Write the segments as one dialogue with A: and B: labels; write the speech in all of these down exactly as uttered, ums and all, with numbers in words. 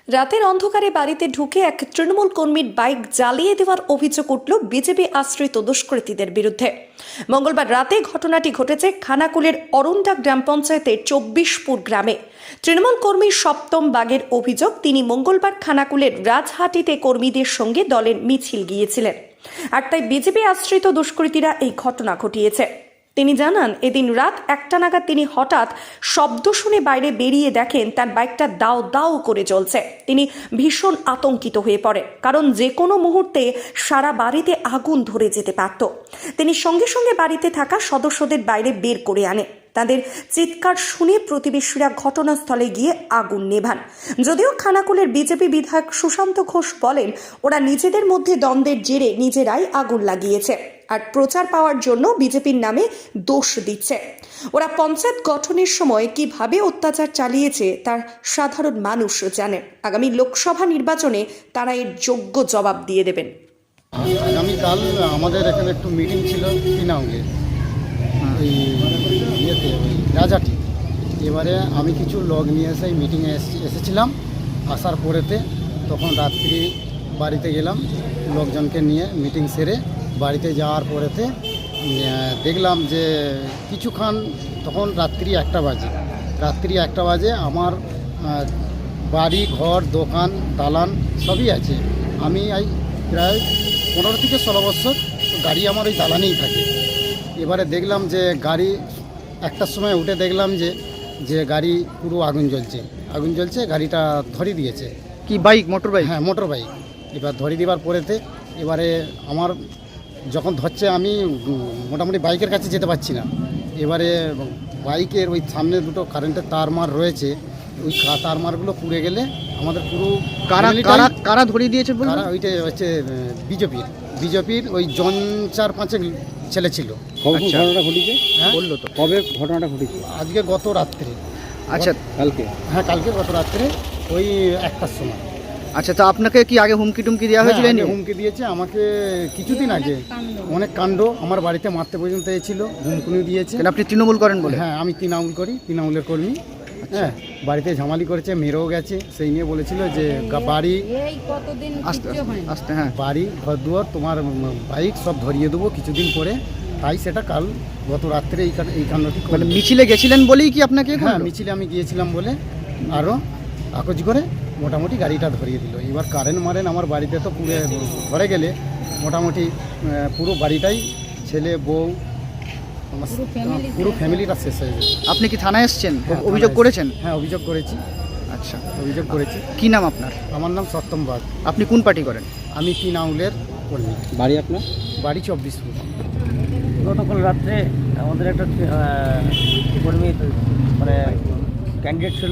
A: রাতের অন্ধকারে বাড়িতে ঢুকে এক তৃণমূল কর্মীর বাইক জ্বালিয়ে দেওয়ার অভিযোগ উঠল বিজেপি আশ্রিত দুষ্কৃতীদের বিরুদ্ধে। মঙ্গলবার রাতে ঘটনাটি ঘটেছে খানাকুলের অরুন্ডা গ্রাম পঞ্চায়েতের চব্বিশপুর গ্রামে। তৃণমূল কর্মী সপ্তম বাগের অভিযোগ, তিনি মঙ্গলবার খানাকুলের রাজহাটিতে কর্মীদের সঙ্গে দলের মিছিল গিয়েছিলেন, আর তাই বিজেপি আশ্রিত দুষ্কৃতীরা এই ঘটনা ঘটিয়েছে। তিনি জানান, এদিন রাত একটা নাগাদ তিনি হঠাৎ শব্দ শুনে বাইরে বেরিয়ে দেখেন তার বাইকটা দাও দাও করে জ্বলছে। তিনি ভীষণ আতঙ্কিত হয়ে পড়েন, কারণ যে কোনো মুহূর্তে সারা বাড়িতে আগুন ধরে যেতে পারত। তিনি সঙ্গে সঙ্গে বাড়িতে থাকা সদস্যদের বাইরে বের করে আনে। তাদের চিৎকার শুনে প্রতিবেশীরা ঘটনাস্থলে গিয়ে আগুন নেভান। যদিও খানাকুলের বিজেপি বিধায়ক সুশান্ত ঘোষ বলেন, ওরা নিজেদের মধ্যে দ্বন্দ্বের জেরে নিজেরাই আগুন লাগিয়েছে আর প্রচার পাওয়ার জন্য বিজেপির নামে দোষ দিচ্ছে। ওরা পঞ্চায়েত গঠনের সময় কিভাবে অত্যাচার চালিয়েছে তার সাধারণ মানুষ জানেন। আগামী লোকসভা নির্বাচনে তারা এর যোগ্য জবাব দিয়ে দেবেন।
B: আগামীকাল আমাদের এখানে একটু মিটিং ছিল তিনাঙ্গে, ওই ইয়েতে ওই রাজাটি। এবারে আমি কিছু লোক নিয়ে এসে মিটিংয়ে এসেছিলাম। আসার পরেতে তখন রাত্রি বাড়িতে গেলাম লোকজনকে নিয়ে। মিটিং সেরে বাড়িতে যাওয়ার পরেতে দেখলাম যে কিছুক্ষণ, তখন রাত্রি একটা বাজে রাত্রি একটা বাজে আমার বাড়ি ঘর দোকান দালান সবই আছে। আমি এই প্রায় পনেরো থেকে ষোলো বছর গাড়ি আমার ওই দালানেই থাকে। এবারে দেখলাম যে গাড়ি একটার সময় উঠে দেখলাম যে যে গাড়ি পুরো আগুন জ্বলছে আগুন জ্বলছে গাড়িটা ধরিয়ে দিয়েছে।
C: কি বাইক? Motorbike?
B: হ্যাঁ, মোটর বাইক। এবার ধরিয়ে দেওয়ার পরেতে এবারে আমার যখন ধরছে আমি মোটামুটি বাইকের কাছে যেতে পারছি না। এবারে বাইকের ওই সামনে দুটো কারেন্টের তারমার রয়েছে, ওই তারমারগুলো পুড়ে গেলে আমাদের পুরো
C: কারা কারা কারা ধরিয়ে দিয়েছে?
B: কারা ওইটা হচ্ছে বিজেপির বিজেপির ওই জন চার পাঁচেক ছেলে ছিল।
C: ঘটনাটা ঘটেছে?
B: হ্যাঁ,
C: বললো তো কবে ঘটনাটা ঘটেছে?
B: আজকে গত রাত্রে।
C: আচ্ছা, কালকে?
B: হ্যাঁ, কালকে গত রাত্রে ওই একটার সময়।
C: আচ্ছা, তো আপনাকে কি আগে হুমকি টুমকি দেওয়া হয়েছিল?
B: হ্যাঁ, হুমকি দিয়েছে আমাকে কিছুদিন আগে, অনেক কাণ্ড। আমার বাড়িতে মারতে পর্যন্ত এসেছিল, হুমকুনি দিয়েছে।
C: আপনি তৃণমূল করেন বলে?
B: হ্যাঁ, আমি তৃণমূল করি, তৃণমূলের কর্মী। হ্যাঁ, বাড়িতে ঝামালি করেছে, মেরেও গেছে। সেই নিয়ে বলেছিল যে বাড়ি
C: আস্তে আস্তে হ্যাঁ
B: বাড়ি ঘর দুয়ার তোমার বাইক সব ধরিয়ে দেবো কিছুদিন পরে। তাই সেটা কাল গত রাত্রে এই এই কাণ্ডটি।
C: মানে মিছিলে গেছিলেন বলেই কি আপনাকে?
B: হ্যাঁ, মিছিলে আমি গিয়েছিলাম বলে আরও আকজ করে মোটামুটি গাড়িটা ধরিয়ে দিল। এবার কারেন্ট মারেন আমার বাড়িতে তো পুরো ধরে গেলে মোটামুটি পুরো বাড়িটাই, ছেলে বউ পুরো ফ্যামিলিটা শেষ হয়ে যাবে।
C: আপনি কি থানায় এসছেন?
B: হ্যাঁ,
C: অভিযোগ করেছেন?
B: হ্যাঁ, অভিযোগ করেছি।
C: আচ্ছা,
B: অভিযোগ করেছি।
C: কি নাম আপনার?
B: আমার নাম সপ্তম বাগ।
C: আপনি কোন পার্টি করেন?
B: আমি তৃণমূলের কর্মী।
C: বাড়ি আপনার?
B: বাড়ি চব্বিশপুর।
D: গতকাল রাত্রে আমাদের একটা কর্মী মানে ক্যান্ডিডেট ছিল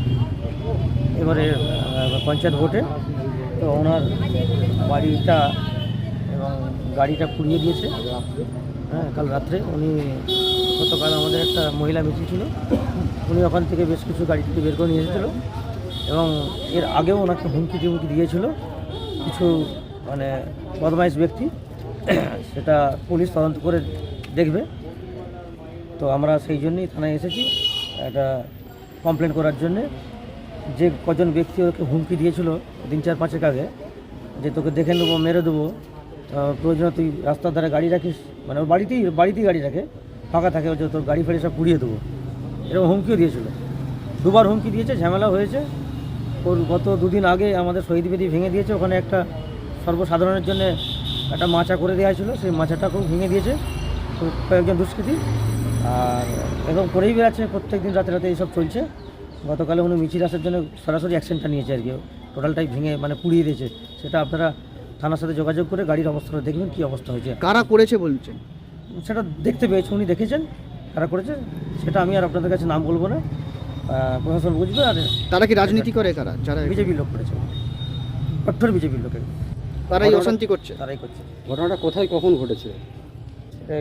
D: এবারে পঞ্চায়েত ভোটে, তো ওনার বাড়িটা এবং গাড়িটা পুড়িয়ে দিয়েছে। হ্যাঁ, কাল রাত্রে উনি, গতকাল আমাদের একটা মহিলা মিছিল ছিল, উনি ওখান থেকে বেশ কিছু গাড়ি থেকে বের করে নিয়ে এসেছিল এবং এর আগেও ওনাকে হুমকি টুমকি দিয়েছিল কিছু মানে বদমাইশ ব্যক্তি। সেটা পুলিশ তদন্ত করে দেখবে। তো আমরা সেই জন্যই থানায় এসেছি একটা কমপ্লেন করার জন্যে। যে কজন ব্যক্তি ওকে হুমকি দিয়েছিল দিন চার পাঁচেক আগে, যে তোকে দেখে নেবো, মেরে দেবো, প্রয়োজনে তুই রাস্তার ধারে গাড়ি রাখিস, মানে ওর বাড়িতেই বাড়িতেই গাড়ি রাখে, ফাঁকা থাকে, যে তোর গাড়ি ফাড়ি সব পুড়িয়ে দেবো, এরকম হুমকিও দিয়েছিল। দুবার হুমকি দিয়েছে, ঝামেলা হয়েছে। ওর গত দুদিন আগে আমাদের শহীদ বেদি ভেঙে দিয়েছে, ওখানে একটা সর্বসাধারণের জন্য একটা মাচা করে দেওয়া ছিল, সেই মাচাটাকেও ভেঙে দিয়েছে কয়েকজন দুষ্কৃতী। আর এরকম করেই বেড়াচ্ছে, প্রত্যেক দিন রাতে রাতে এইসব চলছে। গতকালে উনি মিছিল আসার জন্য সরাসরি অ্যাকশনটা নিয়েছে আর কি, টোটালটাই ভেঙে মানে পুড়িয়ে দিয়েছে। সেটা আপনারা থানার সাথে যোগাযোগ করে গাড়ির অবস্থাটা দেখবেন, কী অবস্থা হয়েছে।
C: কারা করেছে বলছেন?
D: সেটা দেখতে পেয়েছে, উনি দেখেছেন কারা করেছে, সেটা আমি আর আপনাদের কাছে নাম বলবো না, প্রশাসন বুঝবে। আর
C: তারা কি রাজনীতি করে? কারা? যারা
D: বিজেপির লোক করেছে, কঠোর বিজেপির লোকের,
C: তারাই অশান্তি করছে।
D: তারাই করছে।
E: ঘটনাটা কোথায় কখন ঘটেছে?
D: এই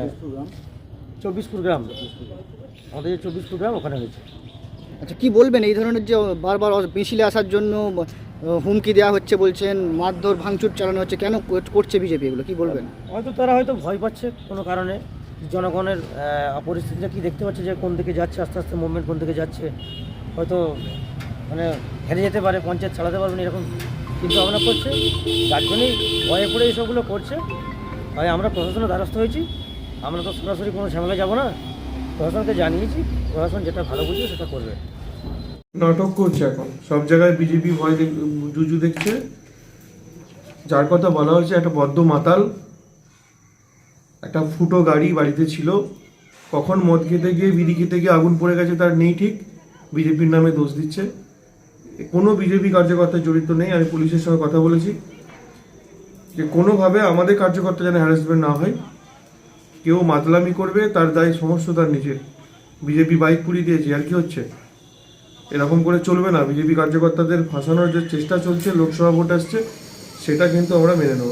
D: চব্বিশপুর গ্রাম, আমাদের যে চব্বিশপুর গ্রাম ওখানে হয়েছে।
C: আচ্ছা, কি বলবেন এই ধরনের যে বারবার মিছিলে আসার জন্য হুমকি দেওয়া হচ্ছে, বলছেন মারধর ভাঙচুর চালানো হচ্ছে, কেন করছে বিজেপি এগুলো, কি বলবেন?
D: হয়তো তারা হয়তো ভয় পাচ্ছে কোনো কারণে, জনগণের পরিস্থিতিটা কি দেখতে পাচ্ছে যে কোন দিকে যাচ্ছে, আস্তে আস্তে মুভমেন্ট কোন দিকে যাচ্ছে, হয়তো মানে হেরে যেতে পারে, পঞ্চায়েত চালাতে পারবে না, এরকম চিন্তা ভাবনা করছে। যার জন্যই ভয়ে পড়ে এইসবগুলো করছে। তাই আমরা প্রশাসনের দ্বারস্থ হয়েছি। আমরা তো সরাসরি কোনো ঝামেলা যাব না, প্রশাসনকে জানিয়েছি, প্রশাসন যেটা ভালো বুঝবে সেটা করবে।
F: নাটক করছে এখন সব জায়গায়, বিজেপি ভয় দেখ- জুজু দেখছে। যার কথা বলা হচ্ছে একটা বদ্ধ মাতাল, একটা ফুটো গাড়ি বাড়িতে ছিল, কখন মদ খেতে গিয়ে বিড়ি খেতে গিয়ে আগুন পড়ে গেছে তার নেই ঠিক, বিজেপির নামে দোষ দিচ্ছে। কোনো বিজেপি কার্যকর্তা জড়িত নেই। আমি পুলিশের সঙ্গে কথা বলেছি যে কোনোভাবে আমাদের কার্যকর্তা যেন হ্যারাসমেন্ট না হয়। কেউ মাতলামি করবে তার দায় সমস্ত তার নিজের। বিজেপি বাইক পুড়িয়ে দিয়েছে, আর কি হচ্ছে? এরকম করে চলবে না। বিজেপি কার্যকর্তাদের ফাঁসানোর যে চেষ্টা চলছে, লোকসভা ভোট আসছে, সেটা কিন্তু আমরা মেনে নেব।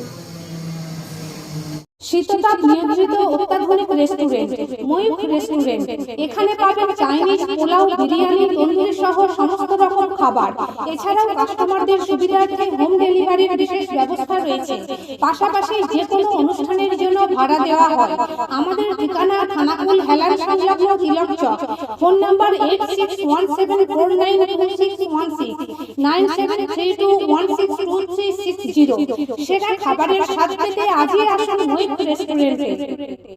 G: শীততাপ নিয়ন্ত্রিত অত্যাধুনিক রেস্টুরেন্ট ময়ূখ রেস্টুরেন্ট। এখানে পাবেন চাইনিজ, পোলাও, বিরিয়ানি, তন্দুরি সহ সমস্ত রকম খাবার। এছাড়াও কাস্টমারদের সুবিধার্থে হোম ডেলিভারির বিশেষ ব্যবস্থা রয়েছে। পাশাপাশি যে কোনো অনুষ্ঠানের জন্য ভাড়া দেওয়া হয়। আমাদের ঠিকানা খানাকুল হেলান সংলগ্ন Tilak Chak. Phone number eight six one seven four nine two six one six, nine seven three two one six two three six zero. সেরা খাবারের স্বাদ পেতে আজই আসুন ময়ূখ রেস্টুরেন্টে।